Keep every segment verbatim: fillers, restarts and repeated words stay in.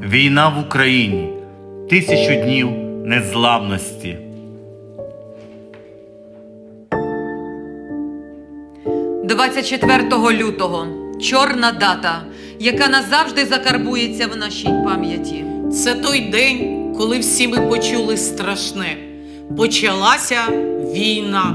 Війна в Україні. Тисячу днів незламності. двадцять четвертого лютого. Чорна дата, яка назавжди закарбується в нашій пам'яті. Це той день, коли всі ми почули страшне. Почалася війна.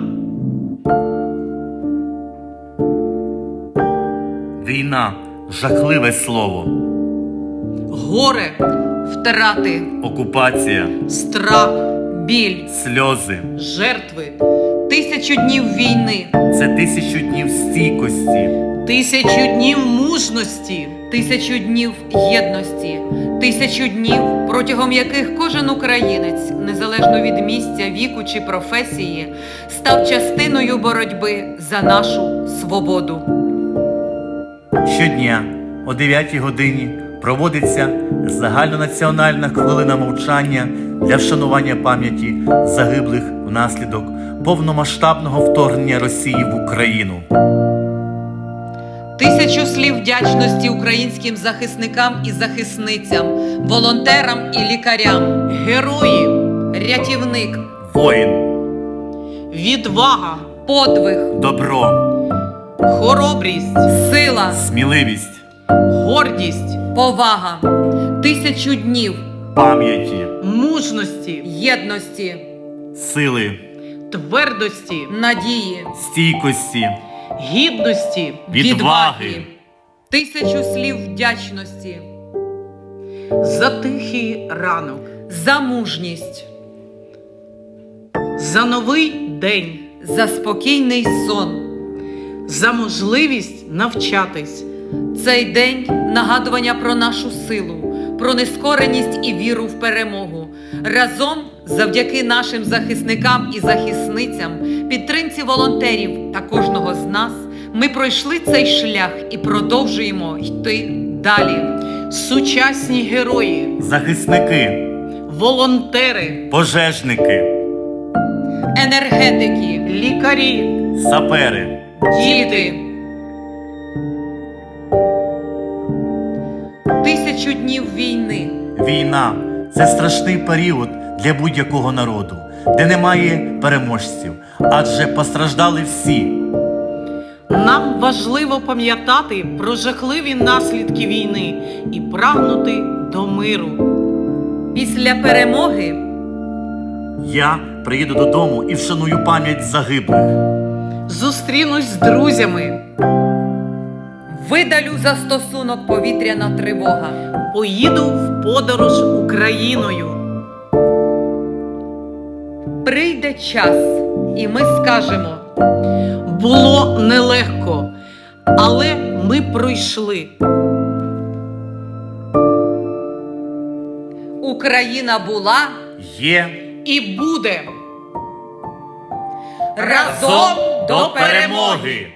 Війна – жахливе слово. Горе, Втрати, Окупація, страх, біль, сльози. жертви, тисячу днів війни, Це тисячу днів стійкості, тисячу днів мужності, тисячу днів єдності, тисячу днів, протягом яких кожен українець, незалежно від місця, віку чи професії, став частиною боротьби за нашу свободу. Щодня о дев'ятій годині проводиться загальнонаціональна хвилина мовчання для вшанування пам'яті загиблих внаслідок повномасштабного вторгнення Росії в Україну. Тисячу слів вдячності українським захисникам і захисницям, волонтерам і лікарям, герої, рятівник, Воїн, відвага, подвиг, добро, хоробрість, сила, сміливість, гордість, повага, тисячу днів пам'яті, мужності, єдності, сили, твердості, надії, стійкості, гідності, відваги. тисячу слів вдячності, за тихий ранок, за мужність, за новий день, за спокійний сон. за можливість навчатись, Цей день – нагадування про нашу силу, про нескореність і віру в перемогу. Разом, завдяки нашим захисникам і захисницям, підтримці волонтерів та кожного з нас, ми пройшли цей шлях і продовжуємо йти далі. сучасні герої, Захисники, волонтери, пожежники, Енергетики, лікарі, сапери, діти. Тисячу днів війни. Війна – це страшний період для будь-якого народу, де немає переможців, адже постраждали всі. Нам важливо пам'ятати про жахливі наслідки війни і прагнути до миру. Після перемоги Я приїду додому і вшаную пам'ять загиблих. Зустрінусь з друзями, видалю застосунок повітряна тривога. поїду в подорож Україною. Прийде час, і ми скажемо: Було нелегко, але ми пройшли. Україна була Є І буде! разом до перемоги!